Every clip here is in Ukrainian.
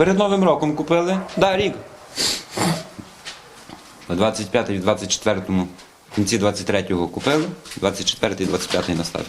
Перед Новим роком купили. Да, рік. На 25-й, 24-му, в кінці 23-го купили, 24-й, 25-й настав.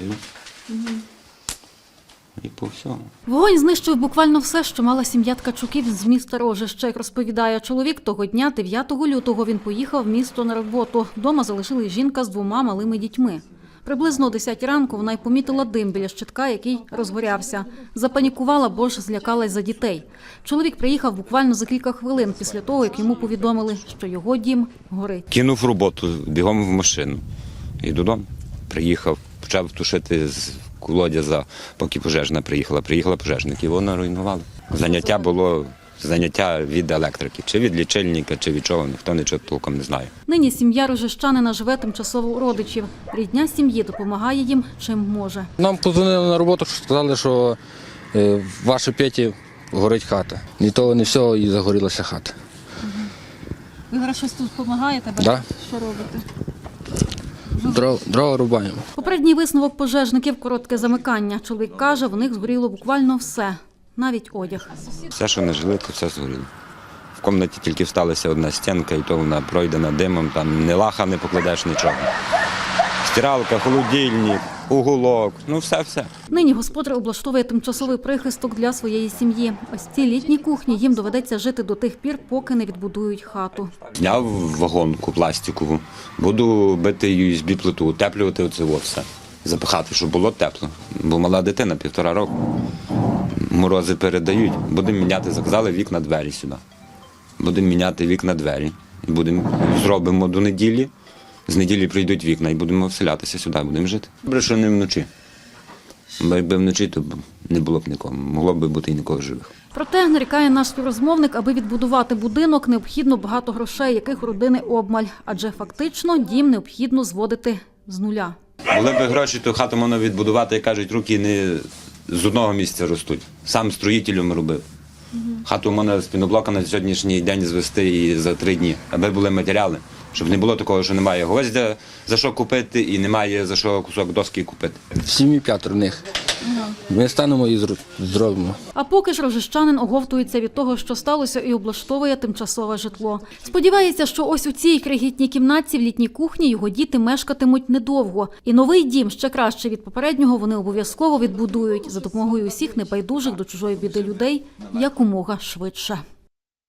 І по всьому. Вогонь знищив буквально все, що мала сім'я Ткачуків з міста Рожище. Як розповідає чоловік, того дня, 9 лютого, він поїхав в місто на роботу. Дома залишили жінка з 2 малими дітьми. Приблизно о 10 ранку вона й помітила дим біля щитка, який розгорявся. Запанікувала, бо ж злякалась за дітей. Чоловік приїхав буквально за кілька хвилин після того, як йому повідомили, що його дім горить. Кинув роботу, бігом в машину. І додому. Приїхав, почав тушити з колодязя, поки пожежна приїхала. Приїхала пожежник, і вона руйнувала. Заняття було від електрики. Чи від лічильника, чи від чого, ніхто нічого толком не знає. Нині сім'я рожищанина живе тимчасово у родичів. Рідня сім'ї допомагає їм, чим може. Нам подзвонили на роботу, сказали, що в вашій Петі горить хата. Ні того, ні всього, і загорілася хата. Ви зараз щось тут допомагаєте? Да. Що робите? Дрова рубаємо. Попередній висновок пожежників – коротке замикання. Чоловік каже, в них згоріло буквально все, навіть одяг. Все, що не жили, то все згоріло. В кімнаті тільки всталася одна стінка, і то вона пройдена димом, там ні лаха не покладеш, нічого. Стиралка, холодильник, уголок, ну все-все. Нині господар облаштовує тимчасовий прихисток для своєї сім'ї. Ось цій літній кухні їм доведеться жити до тих пір, поки не відбудують хату. Зняв вагонку пластикову, буду бити USB-плиту, утеплювати оце все. Запихати, щоб було тепло. Бо мала дитина, 1,5 року. Морози передають. Будемо міняти, заказали вікна, двері сюди. Будемо міняти вікна, двері. Зробимо до неділі. З неділі прийдуть вікна і будемо вселятися сюди, будемо жити. Добре, що не вночі. Бо якби вночі, то не було б нікого. Могло б бути і нікого живих. Проте, нарікає наш співрозмовник, аби відбудувати будинок, необхідно багато грошей, яких у родини обмаль. Адже фактично дім необхідно зводити з нуля. Були б гроші, то хату можна відбудувати, як кажуть, руки не з одного місця ростуть. Сам строїтелем робив. Хату можна з піноблока на сьогоднішній день звести і за 3 дні, аби були матеріали. Щоб не було такого, що немає гвоздя за що купити і немає за що кусок доски купити. В сім'ї 5 в них. Ми станемо і зробимо. А поки ж рожищанин оговтується від того, що сталося, і облаштовує тимчасове житло. Сподівається, що ось у цій крихітній кімнатці в літній кухні його діти мешкатимуть недовго. І новий дім, ще краще від попереднього, вони обов'язково відбудують за допомогою усіх небайдужих до чужої біди людей якомога швидше.